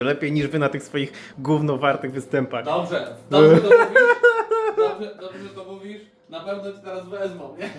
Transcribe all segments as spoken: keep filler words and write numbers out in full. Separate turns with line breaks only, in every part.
lepiej niż wy na tych swoich gównowartych występach.
Dobrze, dobrze to mówisz, dobrze, dobrze to mówisz, na pewno cię teraz wezmą, nie?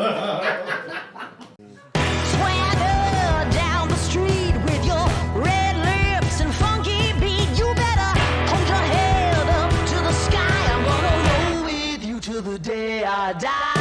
Swagger down the street with your red lips and funky beat. You better hold your head up to the sky. I'm gonna roll with you till the day I die.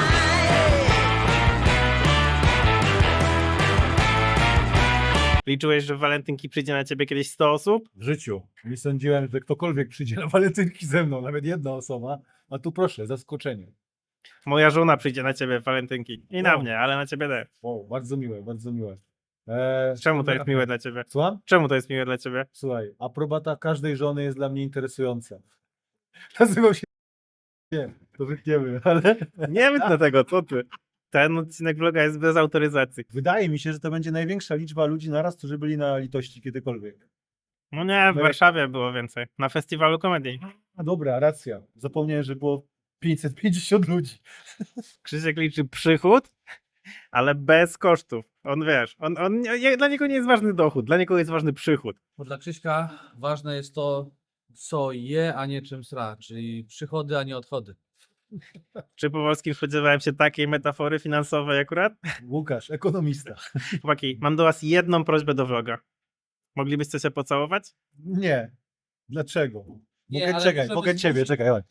Liczyłeś, że w walentynki przyjdzie na ciebie kiedyś sto osób?
W życiu. Nie sądziłem, że ktokolwiek przyjdzie na walentynki ze mną, nawet jedna osoba. A tu proszę, zaskoczenie.
Moja żona przyjdzie na ciebie w walentynki. I na
Wow.
mnie, ale na ciebie też.
Wow, bardzo miłe, bardzo miłe. Eee,
Czemu to jest miłe dla ciebie?
Słucham?
Czemu to jest miłe dla ciebie?
Słuchaj, aprobata każdej żony jest dla mnie interesująca. Nazywał się... Nie, to wytniemy, ale...
Nie wytnę tego, co ty? Ten odcinek vloga jest bez autoryzacji.
Wydaje mi się, że to będzie największa liczba ludzi naraz, którzy byli na litości kiedykolwiek.
No nie, w Warszawie było więcej. Na festiwalu komedii.
A dobra, racja. Zapomniałem, że było pięćset pięćdziesiąt ludzi.
Krzysiek liczy przychód, ale bez kosztów. On wiesz, on, on, nie- dla niego nie jest ważny dochód, dla niego jest ważny przychód.
Bo dla Krzyśka ważne jest to, co je, a nie czym sra, czyli przychody, a nie odchody.
Czy po polskim spodziewałem się takiej metafory finansowej akurat?
Łukasz, ekonomista.
Chłopaki, mam do was jedną prośbę do vloga. Moglibyście się pocałować?
Nie. Dlaczego?
Nie,
Mogę,
ale
czekaj,
żeby
mogę
zmusić-
ciebie, czekaj. chodź.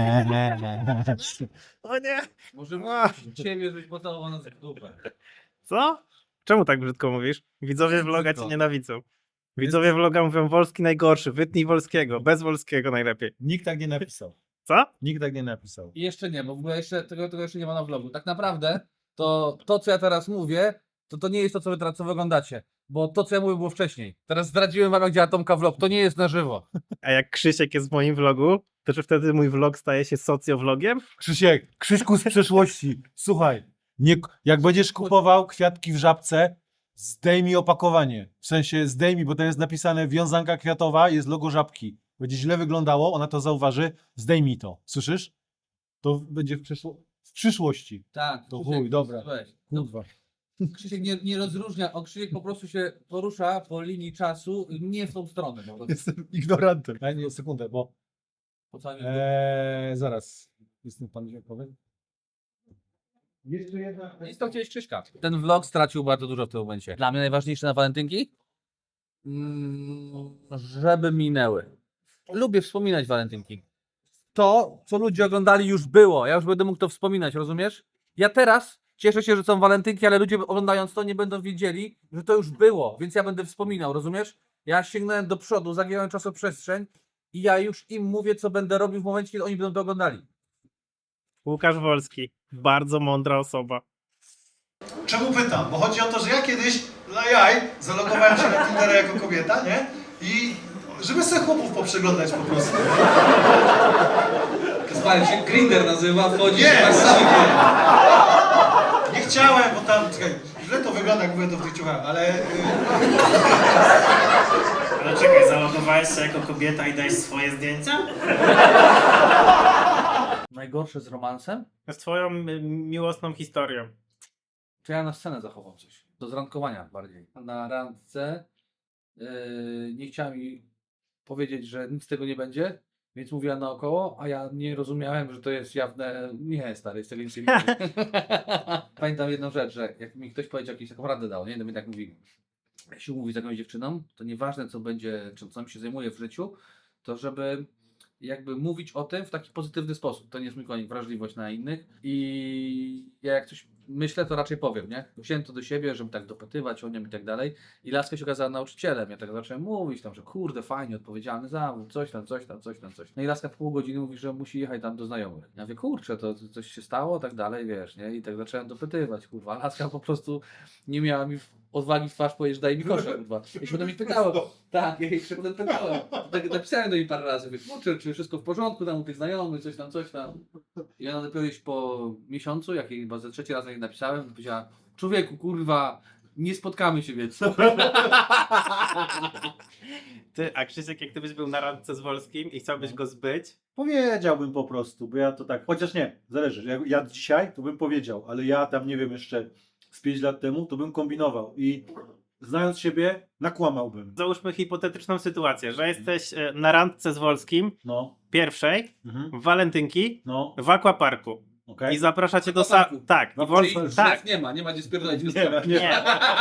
O nie!
Możemy
Ach.
ciebie, żebyś pocałował nas w dupę.
Co? Czemu tak brzydko mówisz? Widzowie
Jest
vloga cię
brzydko.
nienawidzą. Widzowie vloga mówią Wolski najgorszy, wytnij Wolskiego, bez Wolskiego najlepiej.
Nikt tak nie napisał.
Co?
Nikt tak nie napisał.
I jeszcze nie, bo w ogóle jeszcze, tego, tego jeszcze nie ma na vlogu. Tak naprawdę to, to co ja teraz mówię, to to nie jest to, co wy teraz co wy oglądacie. Bo to, co ja mówię, było wcześniej. Teraz zdradziłem wam, jak działa Tomka vlog. To nie jest na żywo.
A jak Krzysiek jest w moim vlogu, to czy wtedy mój vlog staje się socjowlogiem?
Krzysiek, Krzyśku z przeszłości. Słuchaj, nie, jak będziesz kupował kwiatki w Żabce, zdejmij opakowanie. W sensie zdejmij, bo to jest napisane wiązanka kwiatowa, jest logo Żabki. Będzie źle wyglądało, ona to zauważy, zdejmij to. Słyszysz? To będzie w, przyszło- w przyszłości.
Tak.
To
Krzysiek,
chuj, dobra.
Weź.
Kurwa.
Krzysiek nie, nie rozróżnia, on Krzysiek po prostu się porusza po linii czasu, nie w tą stronę. Po prostu.
Jestem ignorantem. Daj mi sekundę, bo...
Po całym
Eee, zaraz. Jestem pan dźwiękowy. Jeszcze jedna...
Nic to chciałeś Krzyśka. Ten vlog stracił bardzo dużo w tym momencie. Dla mnie najważniejsze na walentynki? Mm, żeby minęły. Lubię wspominać walentynki. To, co ludzie oglądali, już było. Ja już będę mógł to wspominać, rozumiesz? Ja teraz cieszę się, że są walentynki, ale ludzie oglądając to nie będą wiedzieli, że to już było, więc ja będę wspominał, rozumiesz? Ja sięgnąłem do przodu, zagiąłem czasoprzestrzeń i ja już im mówię, co będę robił w momencie, kiedy oni będą to oglądali.
Łukasz Wolski, bardzo mądra osoba.
Czemu pytam? Bo chodzi o to, że ja kiedyś dla jaj zalogowałem się na Tindera jako kobieta, nie? I żeby sobie chłopów poprzeglądać po prostu.
Słuchaj, się Grindr nazywa, wchodzi
Nie,
tak
właśnie
samo.
Nie chciałem, bo tam, czekaj, źle to wygląda, jak mówię to w tych ciuchach, ale... y,
Ale czekaj, zalogowałeś się jako kobieta i dajesz swoje zdjęcia?
Najgorsze z romansem?
Z twoją y, miłosną historią.
To ja na scenę zachował coś. Do zrandkowania bardziej. Na randce yy, nie chciała mi powiedzieć, że nic z tego nie będzie, więc mówiła naokoło, a ja nie rozumiałem, że to jest jawne. Nie, stary, z tego nic nie będzie. Pamiętam jedną rzecz, że jak mi ktoś powiedział, jakąś taką radę dał, nie? No mi tak mówi, jak się umówi z jakąś dziewczyną, to nieważne co będzie, czym co mi się zajmuje w życiu, to żeby jakby mówić o tym w taki pozytywny sposób. To nie jest mój konik, wrażliwość na innych i ja jak coś myślę, to raczej powiem, nie? Wziąłem to do siebie, żeby tak dopytywać o nią i tak dalej i laska się okazała nauczycielem. Ja tak zacząłem mówić tam, że kurde, fajnie, odpowiedzialny zawód, coś tam, coś tam, coś tam, coś. No i laska w pół godziny mówi, że musi jechać tam do znajomych. Ja mówię, kurczę, to to coś się stało, tak dalej, wiesz, nie? I tak zacząłem dopytywać, kurwa. Laska po prostu nie miała mi odwagi w twarz powiedzieć, daj mi kosze, kurwa. I się potem mi pytałem, tak, ja jej się potem pytałem. Tak napisałem do niej parę razy, mówię, kurczę, czy wszystko w porządku, tam u tych znajomych, coś tam, coś tam. I ona dopiero już po miesiącu, jak jej chyba za trzeci raz jej napisałem, to powiedziała, człowieku, kurwa, nie spotkamy się więcej.
Ty, a Krzysiek, jak ty byś był na randce z Wolskim i chciałbyś go zbyć,
Powiedziałbym po prostu, bo ja to tak, chociaż nie, zależy, jak ja dzisiaj to bym powiedział, ale ja tam nie wiem jeszcze z pięć lat temu to bym kombinował i znając siebie, nakłamałbym.
Załóżmy hipotetyczną sytuację, że jesteś e, na randce z Wolskim,
No,
pierwszej,
mhm.
w walentynki,
no,
w aquaparku.
okej.
I zapraszacie do sa...
Aquaparku.
Tak,
No,
i Wolski...
Czyli
tak.
drzew nie ma, nie ma gdzie spierdolić.
Nie, ma, nie.
Nie.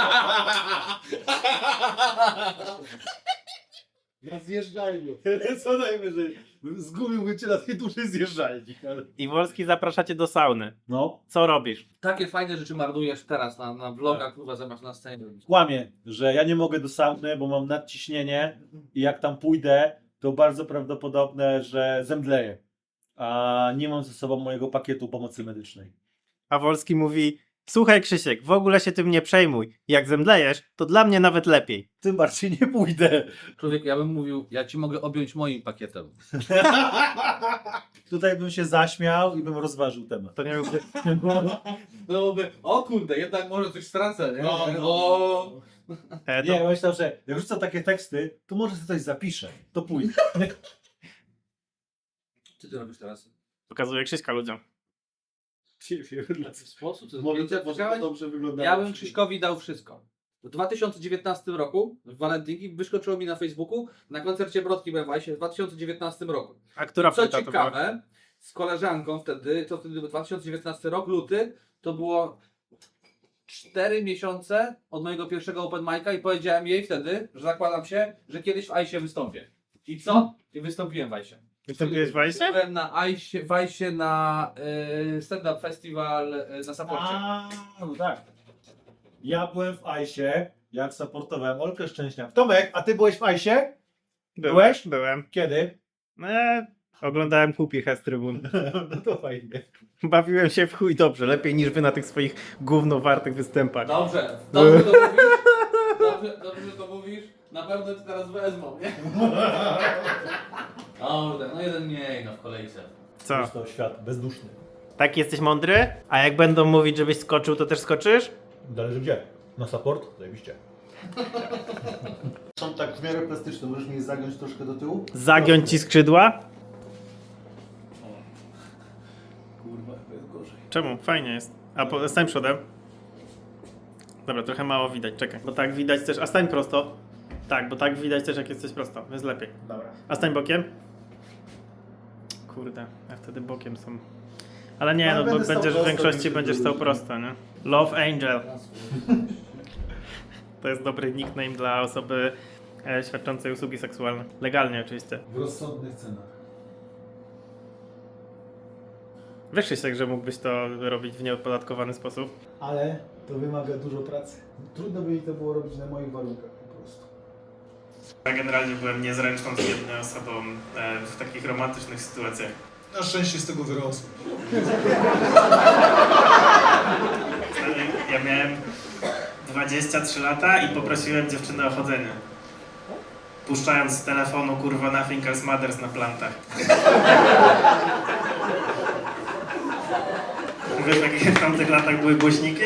Na zjeżdżalniu. Co najwyżej. Zgubiłbym cię na tej dużej zjeżdżalni. Ale...
I Wolski zapraszacie do sauny.
No,
Co robisz?
Takie fajne rzeczy marnujesz teraz na, na vlogach, kurwa, zamiast na scenie robić.
kłamie, że ja nie mogę do sauny, bo mam nadciśnienie i jak tam pójdę, to bardzo prawdopodobne, że zemdleję. A nie mam ze sobą mojego pakietu pomocy medycznej.
A Wolski mówi: słuchaj Krzysiek, w ogóle się tym nie przejmuj. Jak zemdlejesz, to dla mnie nawet lepiej.
Tym bardziej nie pójdę.
Człowiek, ja bym mówił, ja ci mogę objąć moim pakietem.
Tutaj bym się zaśmiał i bym rozważył temat.
To nie byłby...
No by, o kurde, jednak może coś stracę, nie?
No, no.
O,
E, to...
Nie, myślę, że jak rzucam takie teksty, to może sobie coś zapiszę. To pójdę.
Co ty robisz teraz?
Pokazuje Krzyśka ludziom.
W jaki sposób? Co,
Może,
zdjęcia
może
widziałeś?
to dobrze wygląda.
Ja bym Krzyśkowi dał wszystko. W dwa tysiące dziewiętnastym roku, w walentynki, wyskoczyło mi na Facebooku na koncercie Brodki we Wajsie w dwa tysiące dziewiętnastym roku.
A która
Co
płyta to była?
ciekawe, z koleżanką wtedy, to wtedy dwa tysiące dziewiętnasty rok, luty, to było cztery miesiące od mojego pierwszego open mic'a i powiedziałem jej wtedy, że zakładam się, że kiedyś w Ajsie wystąpię. I co? I wystąpiłem w Ajsie.
Wystąpiłeś w Wajsie?
Byłem na Ajsie, w Ajsie na y, stand-up festival y, na Saporcie.
A, no tak. Ja byłem w Ajsie, jak supportowałem Olkę Szczęśniak. Tomek, a ty byłeś w Ajsie? Byłeś?
Byłem.
Kiedy?
E, oglądałem Kupich z trybun.
No to fajnie.
Bawiłem się w chuj dobrze, lepiej niż wy na tych swoich gównowartych występach.
Dobrze, dobrze to mówisz. Dobrze, dobrze że to mówisz. Na pewno cię teraz wezmą, nie? Dobrze, no jeden mniej no w kolejce.
Co?
Jest to świat bezduszny.
Tak jesteś mądry? A jak będą mówić, żebyś skoczył, to też skoczysz?
Zależy gdzie. Na support? Zajebiście. Są tak w miarę plastyczne, możesz mnie zagiąć troszkę do tyłu?
Zagiąć ci skrzydła?
Kurwa, to jest gorzej.
Czemu? Fajnie jest. A po, stań przodem. Dobra, trochę mało widać, czekaj. Bo tak widać też, a stań prosto. Tak, bo tak widać też jak jesteś prosto, jest lepiej.
Dobra.
A stań bokiem. Kurde, ja wtedy bokiem są. Ale nie,
No,
no bo
będę stał
będziesz w
prosto,
większości
więc
będziesz
się
stał
wyróżni.
prosto, nie? Love Angel. To jest dobry nickname dla osoby e, świadczącej usługi seksualne. Legalnie oczywiście.
W rozsądnych cenach.
Wiesz Krzysiek, że mógłbyś to robić w nieopodatkowany sposób?
Ale to wymaga dużo pracy. Trudno by mi to było robić na moich warunkach po prostu.
Ja generalnie byłem niezręczną, zbiedną osobą e, w takich romantycznych sytuacjach.
Na szczęście z tego wyrosłem.
Ja miałem dwadzieścia trzy lata i poprosiłem dziewczynę o chodzenie. Puszczając z telefonu kurwa Nothing Else Matters na plantach. Wiesz, w jakich w tamtych latach były głośniki?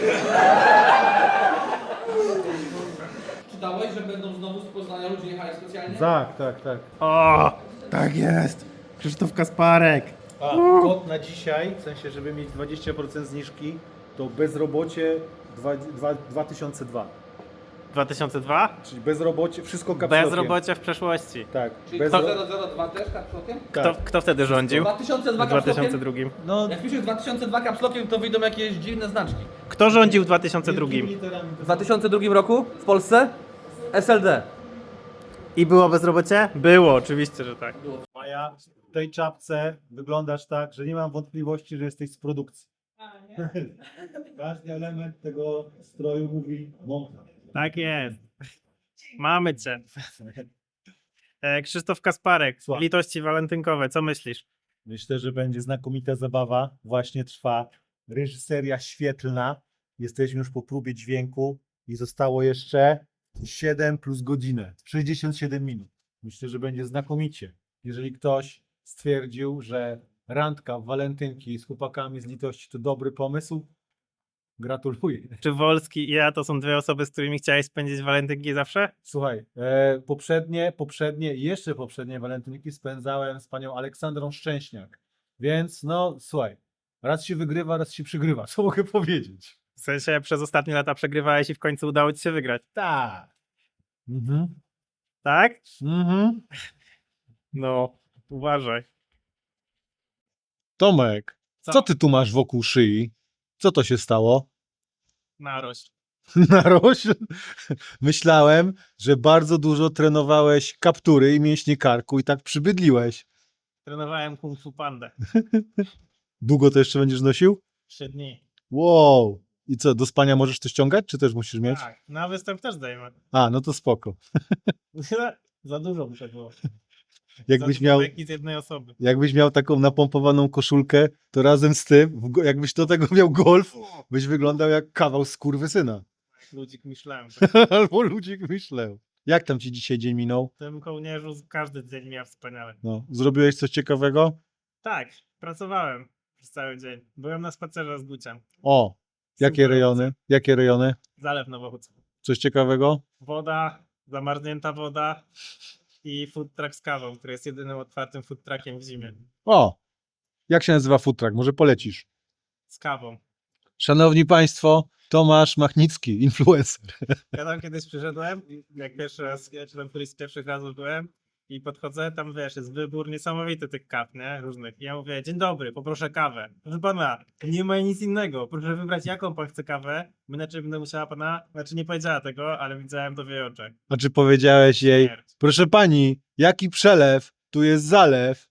Czytałeś, że będą znowu z Poznania ludzie jechali specjalnie?
Tak, tak, tak.
O, tak jest! Krzysztof Kasparek!
A kod na dzisiaj, w sensie, żeby mieć dwadzieścia procent zniżki, to bezrobocie dwa- dwa- dwa tysiące dwa.
dwa tysiące dwa?
Czyli bezrobocie, wszystko kapslokiem.
Bezrobocie w przeszłości.
Tak.
Czyli
Bezro...
kto zero zero dwa też kapslokiem?
Kto,
tak.
kto wtedy rządził?
dwa tysiące dwa
W dwa tysiące
kapslokiem?
drugim.
No,
Jak piszesz dwa tysiące dwa kapslokiem, to wyjdą jakieś dziwne znaczki.
Kto rządził w dwa tysiące drugim?
W dwa tysiące drugim roku w Polsce S L D.
I było bezrobocie? Było, oczywiście, że tak.
Maja, w tej czapce wyglądasz tak, że nie mam wątpliwości, że jesteś z produkcji. Każdy element tego stroju mówi montaż.
Tak jest. Mamy cię. E, Krzysztof Kasparek,
Słucham.
litości walentynkowe, co myślisz?
Myślę, że będzie znakomita zabawa. Właśnie trwa reżyseria świetlna. Jesteśmy już po próbie dźwięku i zostało jeszcze siedem plus godzinę. sześćdziesiąt siedem minut. Myślę, że będzie znakomicie. Jeżeli ktoś stwierdził, że randka w walentynki z chłopakami z litości to dobry pomysł, gratuluję.
Czy Wolski i ja to są dwie osoby, z którymi chciałeś spędzić walentynki zawsze?
Słuchaj, e, poprzednie, poprzednie, jeszcze poprzednie walentynki spędzałem z panią Aleksandrą Szczęśniak. Więc no, słuchaj, raz się wygrywa, raz się przygrywa. Co mogę powiedzieć?
W sensie przez ostatnie lata przegrywałeś i w końcu udało ci się wygrać.
Tak. Mhm.
Tak?
Mhm.
No, uważaj.
Tomek,
Co?
co ty tu masz wokół szyi? Co to się stało?
Narość.
Narośl? Myślałem, że bardzo dużo trenowałeś kaptury i mięśnie karku i tak przybydliłeś.
Trenowałem Kung Fu Pandę.
Długo to jeszcze będziesz nosił?
Trzy dni.
Wow. I co, do spania możesz to ściągać, czy też musisz mieć?
Tak, na występ też dajemy.
A, no to spoko.
Za dużo muszę było.
Jakbyś
Za
miał,
dużo beki z jednej osoby.
jakbyś miał taką napompowaną koszulkę, to razem z tym, w go- jakbyś do tego miał golf, byś wyglądał jak kawał skurwysyna.
Ludzik myślałem.
Albo ludzik myślał. Jak tam ci dzisiaj dzień minął?
W tym kołnierzu każdy dzień miał wspaniały.
No, zrobiłeś coś ciekawego?
Tak, pracowałem przez cały dzień. Byłem na spacerze z Guciem.
O, jakie
Super
rejony? Jakie rejony?
Zalew Nowochódzki.
Coś ciekawego?
Woda, zamarznięta woda i food truck z kawą, który jest jedynym otwartym food truckiem w zimie.
O, jak się nazywa food truck? Może polecisz?
Z kawą.
Szanowni Państwo, Tomasz Machnicki, influencer.
Ja tam kiedyś przyszedłem, jak pierwszy raz, ja czy tam któryś z pierwszych razów byłem i podchodzę, tam wiesz, jest wybór niesamowity tych kaw, nie? Różnych. I ja mówię, dzień dobry, poproszę kawę. Proszę pana, nie ma nic innego. Proszę wybrać, jaką pan chce kawę, bo inaczej będę musiała pana, znaczy nie powiedziała tego, ale widziałem to w jej oczach.
A czy powiedziałeś jej,
Śmierć.
proszę pani, jaki przelew, tu jest zalew?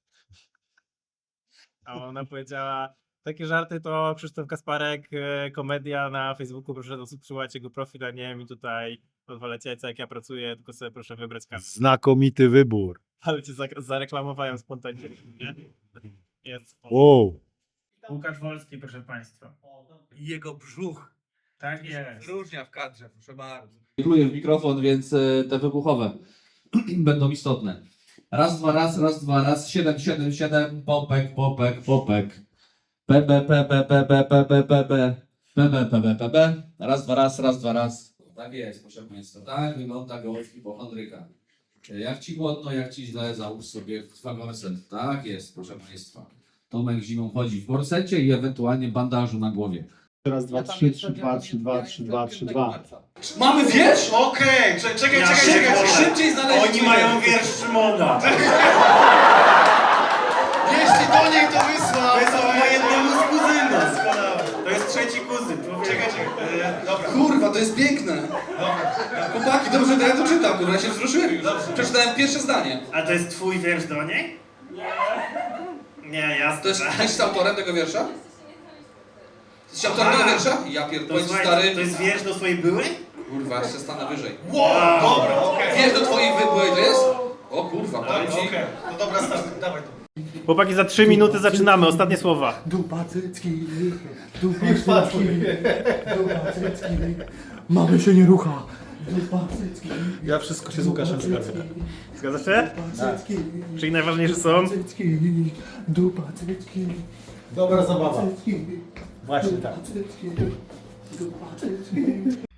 A ona powiedziała, takie żarty to Krzysztof Kasparek, e, komedia na Facebooku, proszę subskrybować jego profil, a nie mi tutaj pozwalać jajca, jak ja pracuję, tylko sobie proszę wybrać kawę.
Znakomity wybór.
Ale cię zak- zareklamowałem spontanicznie, nie? Jest.
Wow.
Łukasz Wolski, proszę państwa.
Jego brzuch
Tak jest.
różnia w kadrze, proszę bardzo. Pluję w mikrofon, więc e, te wybuchowe będą istotne. Raz, dwa, raz, raz, dwa, raz, siedem, siedem, siedem, popek, popek, popek. P, B, P, P, P, P, P, P, P, P, P, B, P, B, P, B. Raz, dwa, raz, raz, dwa, raz. Tak jest, proszę Państwa. Tak wygląda gołąb hipochondryka. Jak Ci głodno, jak Ci źle, załóż sobie dwa gorset. Tak jest, proszę Państwa. Tomek zimą chodzi w gorsecie i ewentualnie bandażu na głowie.
Raz, dwa, trzy, trzy, dwa, trzy, dwa, trzy, dwa, trzy, dwa.
Mamy wiersz?
Okej, cze- czekaj,
Ja
czekaj,
się
czekaj,
boję.
czekaj.
Szybciej znaleźć.
Oni mają wiersz Szymona.
Jeśli do niej to wysłał.
To jest od jednemu z kuzynów.
Doskonałe.
To jest trzeci kuzyn. człowieku.
Czekaj, czekaj. E, dobra.
Kurwa, to jest piękne. Chłopaki, dobrze, to ja to czytam, kurwa, ja się wzruszyłem. Przeczytałem pierwsze zdanie.
A to jest twój wiersz do niej? Nie, jasne.
To jest,
tak.
ty jesteś autorem tego wiersza? Jesteś autorem
A.
tego wiersza? Ja
To,
pierdolę,
słuchaj,
stary.
to jest wiersz do swojej byłej?
Kurwa, jeszcze stanę wyżej.
Wow, dobra, okej.
Wiersz do twojej wybyłej to jest? O kurwa, powiem
Dobra,
ci.
okej. No dobra, start, dawaj to.
Chłopaki, za trzy minuty zaczynamy. Ostatnie słowa.
Dupa cycki, dupa cycki, dupa cycki. Mamy się nie rucha. Dupa cycki,
Ja wszystko się z Łukaszem zgadzam.
Zgadza się?
dupa cycki,
Czyli najważniejsze są?
cycki, dupa cycki,
Dobra zabawa.
cycki,
Właśnie tak.
cycki, dupa cycki.